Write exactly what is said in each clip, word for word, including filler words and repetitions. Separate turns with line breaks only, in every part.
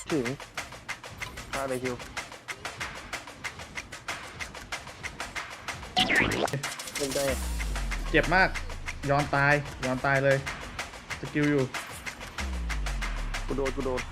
ถึงฆ่าเลยคิวเป็นได้
เจ็บมากย้อนตายย้อนตายเลยสกิลอยู่
กูโดนกูโดน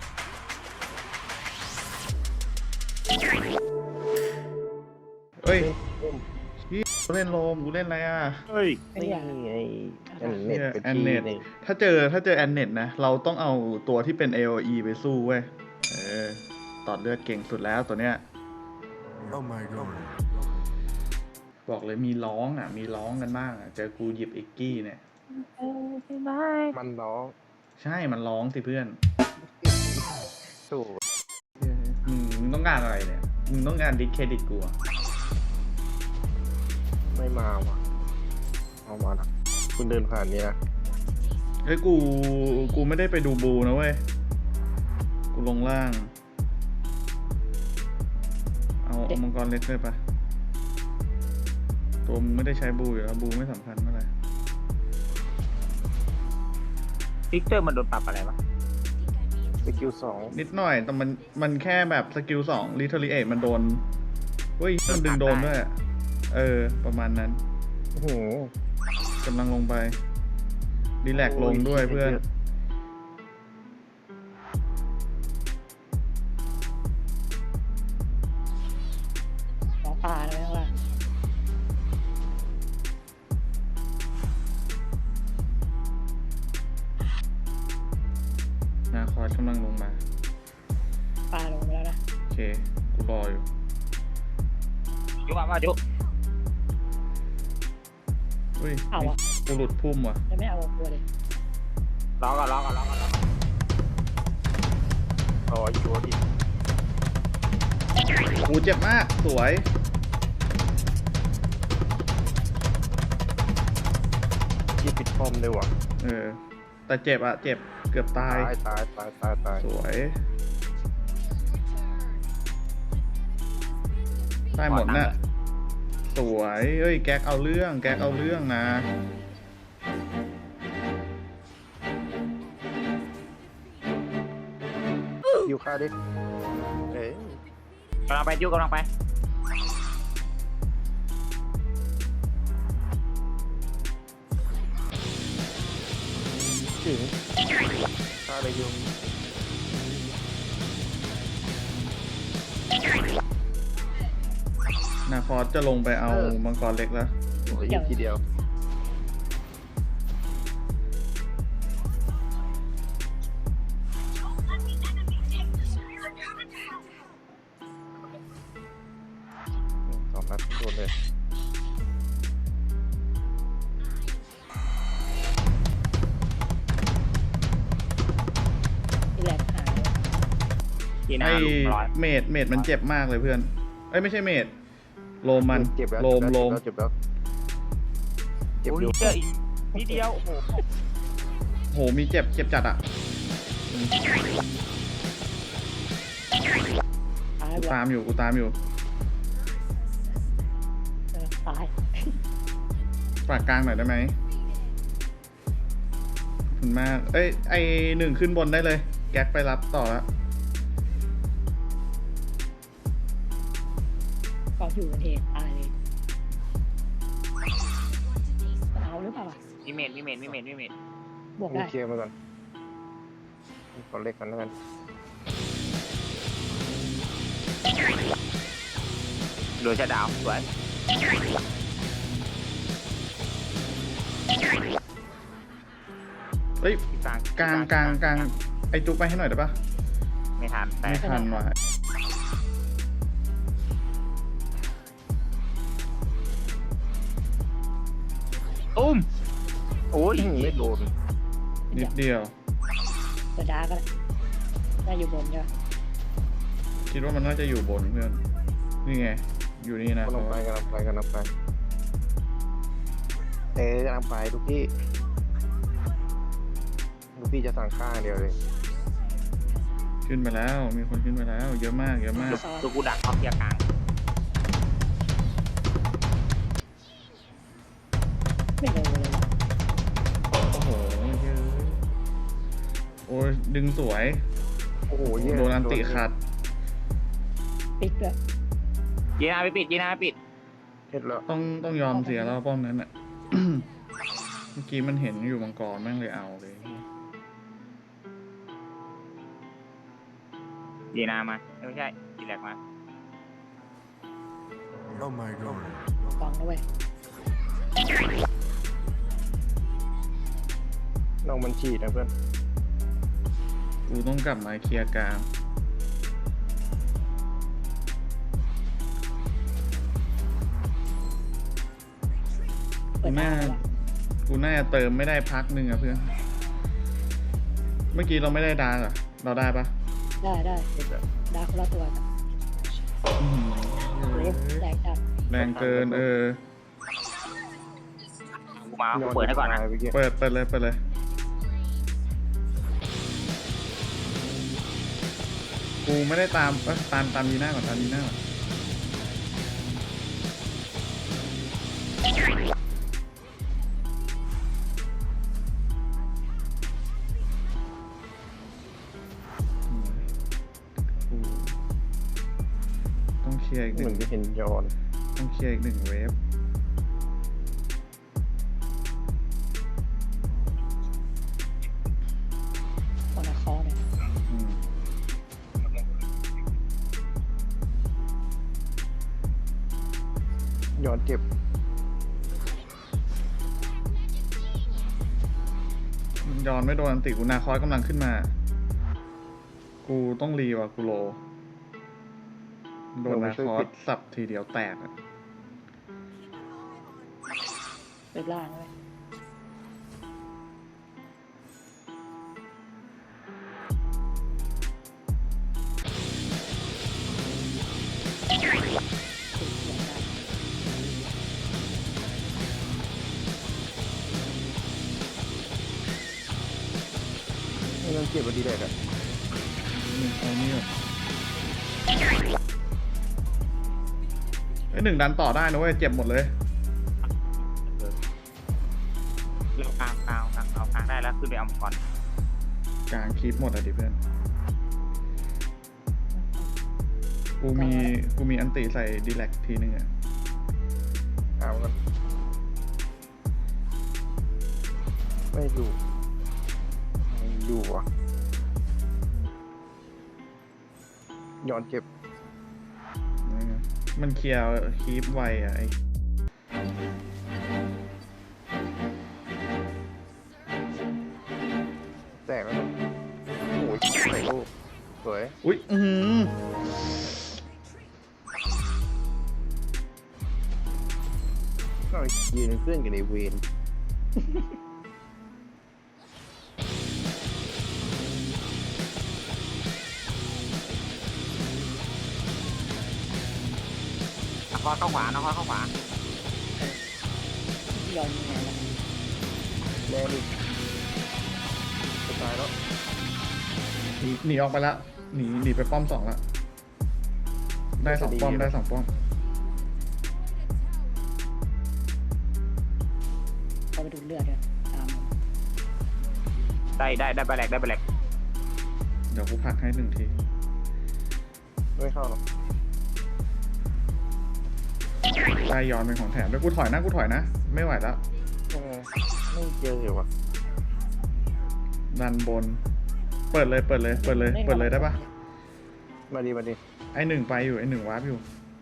เฮ้ย
เล่น
พี่กูเล่นโลมกูเล่นอะไรอ่ะ
เฮ้ย
นี่ไงแอนเน็ตเป็น
แอน
ที
เน็ต
นี่
ถ้าเจอถ้าเจอแอนเน็ตนะเราต้องเอาตัวที่เป็น เอ โอ อี ไปสู้เว้ยเออตอดเลือดเก่งสุดแล้วตัวเนี้ย
Oh my god.
บอกเลยมีร้องอ่ะมีร้องกันบ้างอ่ะเจอกูหยิบเอ็กกี้เนี่ย
มันร้อง
ใช่มันร้องสิเพื่อน
สู้
มึงมึงต้องการอะไรเนี่ยมึงต้องการดิสเครดิตกูอ่ะ
ไม่มาว่ะเอามาละคุณเดินผ่านนี้นะ
เฮ้ยกูกูไม่ได้ไปดูบูนะเว้ยกูลงล่างเอาเอามังกรเล็กเลยปะตัวมึงไม่ได้ใช้บูอยู่แล้วบูไม่สำคัญเท่าไหร่
ฟิกเตอร์มันโดนปรับอะไรวะ
สกิลสอง
นิดหน่อยแต่มันมันแค่แบบสกิลสองรีเทอรีเอทมันโดนเฮ้ยมันดึงโดนด้วยอะเออประมาณนั้น
โอ้โห
กำลังลงไปรีแลกซ์ลงด้วยเพื่อน
หมอปลาเลยข้างล่าง
นาคอร์ดกำลังลงมา
ปลาลงไปแล้วนะ
โอเคกูรออยู่
ยุบมายุบ
เฮ้ย
เอาอะ
กูหลุดพุ่มว่ะ
จะไม่เอาตัวเลย
ร้องก่อนร้องก่อนร้องก่อนร้องก่อน
อ๋ออีกตัวดิ
กูเจ็บมากสวย
ที่ปิดป้อมเลยว่ะ
เออแต่เจ็บอะเจ็บเกือบตา
ตาย ยตายตายตายตาย
สวยได้หมดน่ะสวยเฮ้ยแก๊กเอาเรื่องแก๊กเอาเรื่องนะ
อยู่ฆ่าดิเอ้ย
กำลังไปยุบกำลังไป
ถึงฆ่าเลยคิว
นาคอสจะลงไปเอามังกรเล็กแล้ว
โอ้ยอีกทีเดียวสองนัดโดนเลย
ที่แหลกหาย
ทีหน้า
ไอ้
ลุมร้อย
เมดเมดมันเจ็บมากเลยเพื่อนเอ้ยไม่ใช่เมดโลมมัน
เจ็บแล้ว
โลมโลม
เจ็บแล้วเจ็บ
โอ้ย
อยู่
เจออีกนิดเดียวโอ้โห
โหมีเจ็บเจ็บจัดอะ
ตาย
กู
ไป
ตามอยู่กูตามอยู่
เออตาย
ฝากกลางหน่อยได้ไหมขอบคุณมากเอ้ยไอหนึ่งขึ้นบนได้เลย แก๊กไปรับต่อแล้ว
กองอยู่บนเหตุตายเลยมันเอาหรือเปล่าวะ
มีเมดมีเมดมีเมดมีเมด
บวก
นี่
ได้
เคลียร์มาก่อนขอเล็กกันแล้วกัน
เหลือชะดาวสวย
เฮ้ย
กลาง
กลางกลางกลางไอจุกไปให้หน่อยได้ปะ
ไม่ทันแต่
ไม่ทันว่ะ
ตุ้ม
โอ้ยไม่โดน
นิดเดียว
เปิดดาร์กก็ได้ได้อยู่บนใช่ไหม
คิดว่ามันน่าจะอยู่บนเพื่อนนี่ไงอยู่นี่นะ
กำลังไปกำลังไปกำลังไปเอ๊ะกำลังไปลูกพี่ลูกพี่จะสั่งข้างเดียวเลย
ขึ้นไปแล้วมีคนขึ้นไปแล้วเยอะมากเยอะมาก
ตัวกูดักเขาเคลียร์กลาง
ไม่โดนเลยว่ะ
โอ้โหเยอะโอ้ยดึงสวย
โอ้โหเหี้ย
โดนอันติขัด
ปิดด้วย
ยีนาไปปิดยีนาไปปิด
เห็ดแล้ว
ต้องต้องยอมเสียแล้วป้อมนั้นอ่ะ เมื่อกี้มันเห็นอยู่มังกรแม่งเลยเอาเลย
ยีนามาเอ้ยไม่ใช่ยีแลกมา
Oh my god.
กองด้วย
น้องมันฉีดนะเพื่อน
กูต้องกลับมาเคลียร์กลาง
เปิดหน้าแล้ว
กูน่าจะเติมไม่ได้พักหนึ่งอะเพื่อน เมื่อกี้เราไม่ได้ดาร์กเหรอเราได้ปะ
ได้ได้ดาคนละตัวกัน
อื้อหือ
เล็บแรงจัด
แรงเกินเออ
กูมากูเปิดให้ก่อนนะ
เมื่อกี้
เปิดเปิดเลยเปิดเลย กูไม่ได้ตามเอ้ยตามตามยีน่าก่อนตามยีน่าก่อนอืมกูต้องเคลียร์อีกห
เห
นึ่
มือน
ง
จะเห็นยอน
ต้องเคลียร์อีกหนึ่งเวฟ
คนละคอเนี่ย
อืม
ยอนเจ็บ
ยอนไม่โดนอันติกูนาคอยกำลังขึ้นมา กูต้องรีว่ะกูโล โดนนาคอสสับทีเดียวแตกอะ
เปิดล่างด้วยติดเสียงดัง
ไม่ต้องเจ็บวันดีแรกอะ
นี่เอานี่ก่อนไอ้ยหนึ่งดันต่อได้นะเว้ย เจ็บหมดเลย
เรากลางกลางกลางเอากลางได้แล้วขึ้นไปเอามังกร
กลางคีบหมดอ่ะดิเพื่อน กูมีกูมีอันติใส่ดีแลกทีนึงอ่ะ
เอากันไม่อยู่ไม่อยู่อ่ะยอนเจ็บ
มันเคลียร์คีบไวอ่ะไอ้
แตกแล้วนะโอ้ยใส่ลูกสวย
อุ๊ย อือหือ
ก็ยืนเป็นเพื่อนกันในเวร
นครเข้าขวานครเข้าขวา
ยอนยังไงล่ะ
แรงอีกจะตายแล้ว
หนีหนีออกไปละหนีหนีไปป้อมสองละ ได้สองป้อมได้สองป้อม
เอาไปดูดเลือดด้วยตาม
ได้ได้ได้ไปแหลกได้ไปแหลก
เดี๋ยวกูผลักให้หนึ่งที
ไม่เข้าหรอก
ได้ย้อนเป็นของแถมด้วยกูถอยนะกูถอยนะ ไม่ไหวแล้ว
เออไม่เจอเหรอวะ
ดันบน เปิดเลยเปิดเลยเปิดเลยเปิดเลยได้ปะ
มาดีมาดี
ไอหนึ่งไปอยู่ไอหนึ่งวาร์ปอยู่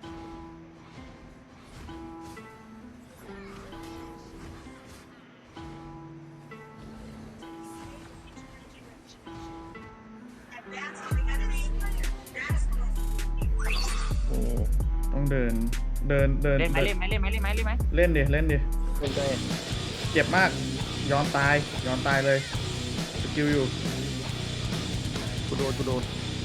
อืม
ต้องเดินเดินเดิน
เล่นไหมเล่นไหมเล่นไหมเล่นไหมเล่นไหม
เล่นดิเล่นดิ
เล่นได้
เจ็บมากย้อนตายย้อนตายเลยสกิลอยู่
กูโดนกูโดน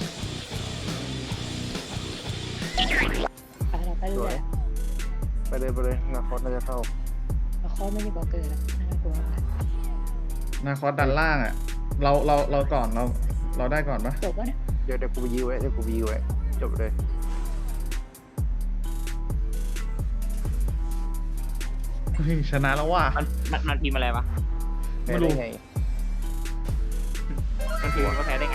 ไปเราไปเรื่อย
ไปเลยไปเลยนาคอสน่าจะเข้า
ๆแล้วคอไม่มีบล็อกเกอร์แล้วน่ากลัวมาก
นาคอสดันล่างอ่ะ เราเราเราก่อนเราเราได้ก่อนปะ
จบวะเนี่ย
เดี๋ยวเดี๋ยวกูไปยื้อไว้เดี๋ยวกูไปยื้อไว้จบเลย
เฮ้ยชนะแล้วว่ะ
มันมันมันพิมพ์อะไรวะ
แพ้ได้ไง
มันพิมพ์ว่าแพ้ได้